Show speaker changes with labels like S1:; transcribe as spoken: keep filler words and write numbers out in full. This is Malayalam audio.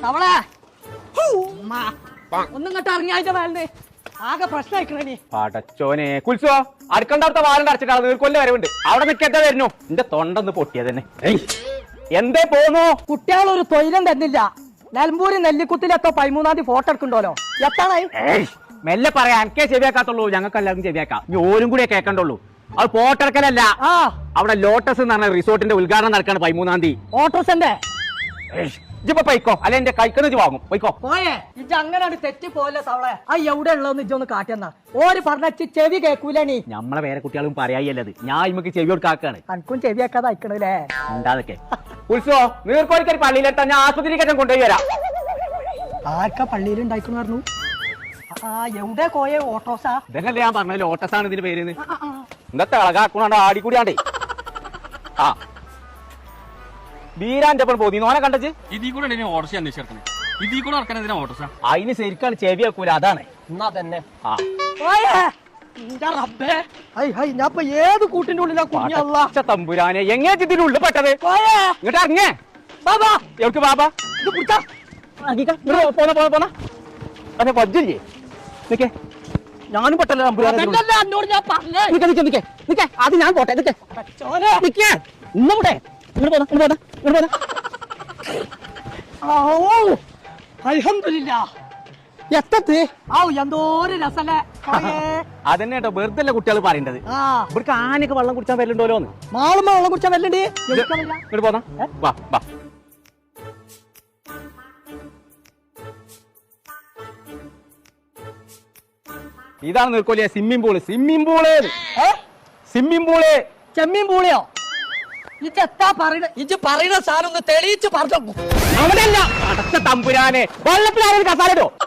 S1: അവളെ ഒന്നും കേട്ട് ഇറങ്ങിയായിട്ട് വേണ്ടേ ആകെ പ്രശ്നമായിക്കണേ
S2: പടച്ചോനെ കുൽസോ അടുക്കണ്ടടുത്ത വാലണ്ട് അടച്ചിട്ടാ നീർക്കൊല്ല വരവുണ്ട് അവിടെ നിൽക്കാത്ത വരുന്നു എന്റെ തൊണ്ടൊന്ന് പൊട്ടിയത് തന്നെ എന്തേ പോന്നു
S1: കുട്ടികൾ ഒരു തൊയിലും തന്നില്ല നിലമ്പൂരി നെല്ലിക്കുത്തിലെത്തോ പതിമൂന്നാം തീയതി ഫോട്ടോ എടുക്കണ്ടല്ലോ എത്താണായി
S2: മെല്ലെ പറയാം എനിക്കേ ശരിയാക്കാത്തുള്ളൂ ഞങ്ങൾക്ക് എല്ലാവർക്കും ശരിയാക്കാം ഇനി ഓരും കൂടെ കേൾക്കണ്ടുള്ളൂ അത് ഫോട്ടോ എടുക്കലല്ല
S1: ആ
S2: അവിടെ ലോട്ടസ് എന്ന് പറഞ്ഞ റിസോർട്ടിന്റെ ഉദ്ഘാടനം നടക്കാണ് പതിമൂന്നാം തീയതി
S1: ഓട്ടോസന്റെ
S2: ഇജിപ്പോ പൈക്കോ അല്ലെ എന്റെ കൈക്കന്ന് വാങ്ങും പൈക്കോ
S1: പോയേ ഇജ്ജ് അങ്ങനെ തെറ്റി പോലെ സവളെ ആ എവിടെ ഉള്ളതെന്ന് ഇജ്ജൊന്ന് കാട്ടിയെന്നാ ഓര് പറഞ്ഞ ചെവി കേക്കൂലണീ
S2: നമ്മളെ വേറെ കുട്ടികളും പറയായല്ലത് ഞാൻ ഇമ്മക്ക് ചെവി കൊടുക്കാക്കാണ്
S1: അനക്കും ചെവി വെക്കാതെ അയക്കണല്ലേ
S2: ഉണ്ടാതൊക്കെ ഉത്സവോ നീർക്കോലിക്കൊരു പള്ളിയിലെത്താൻ ഞാൻ ആശുപത്രിക്ക് കൊണ്ടുപോയി വരാം
S1: ആർക്കാ പള്ളിയിൽ ഉണ്ടായിക്കുന്നു പറഞ്ഞു ആ എവിടെ കോയെ ഓട്ടോസാ
S2: ഇതല്ലേ ഞാൻ പറഞ്ഞ ലോട്ടസ് ആണ് ഇതിന്റെ പേര് ഇന്നത്തെ അളകാക്കുണാണ്ട് ആടിക്കൂടിയാണ്ടേ ആ ബീരാന്റെ ഒപ്പം പോയി നോനെ കണ്ടച്ച്
S3: ഇതിൽ കൂടെ ഓട്ടോസ് അന്വേഷിച്ചേ ഇതിൽ കൂടെ നടക്കാൻ എന്തിനാ ഓട്ടോസ
S2: അതിന് ശരിക്കാണ് ചെവി വെക്കൂല അതാണ്
S1: എന്നാ തന്നെ
S2: ആ
S1: ഞാൻ ഏത് കൂട്ടിന്റെ ഉള്ളിലാ കുഞ്ഞല്ല
S2: തമ്പുരാനെ എങ്ങനെ ഇതിന്റെ ഉള്ളിൽ പെട്ടത് ഇങ്ങോട്ട് ഇറങ്ങേ
S1: ബാബാ
S2: എവിടെ ബാബാ
S1: ഇത് പിടിച്ചാ
S2: പോന്ന പോന്ന പോന്ന അതെ വജ്ജില്ലേ നിക്കേ ഞാനും പെട്ടല്ലോ തമ്പുരാനെ
S1: എന്നോട് ഞാൻ പറഞ്ഞേ
S2: നിക്കേ നിക്കേ നിക്കേ നിക്കേ അത് ഞാൻ പോട്ടെ നിക്കേ നിക്കേ ഇന്നൂടെ ഇങ്ങോട്ട് പോന്ന ഇങ്ങോട്ട് പോന്ന ഇങ്ങോട്ട് പോന്ന
S1: അൽഹംദുലില്ലാ
S2: എത്തത്
S1: ഔ എന്തോരം രസല്ലേ
S2: അതന്നെ കേട്ടോ വെറുതെ അല്ല കുട്ടികൾ പറയേണ്ടത്
S1: ആ
S2: ഇവിടേക്ക് ആനയൊക്കെ വെള്ളം കുടിച്ചാൻ വരലുണ്ടോലോന്ന്
S1: മാളുമ്പോ വെള്ളം കുടിച്ചാൻ വരലുണ്ട്
S2: ഇങ്ങോട്ട് പോന്ന വാ വാ ഇതാണ് നിർക്കോലിയ swimming pool swimming pool swimming pool
S1: ചെമ്മീൻ പൂളിയോ ഇജ്ജ് എത്താ പറയണ ഇജ്ജ് പറയുന്ന സാധനം ഒന്ന് തെളിയിച്ച് പറഞ്ഞു
S2: അവിടെ അല്ല അടച്ച തമ്പുരാനെ വെള്ളത്തിലാരും കസാലോ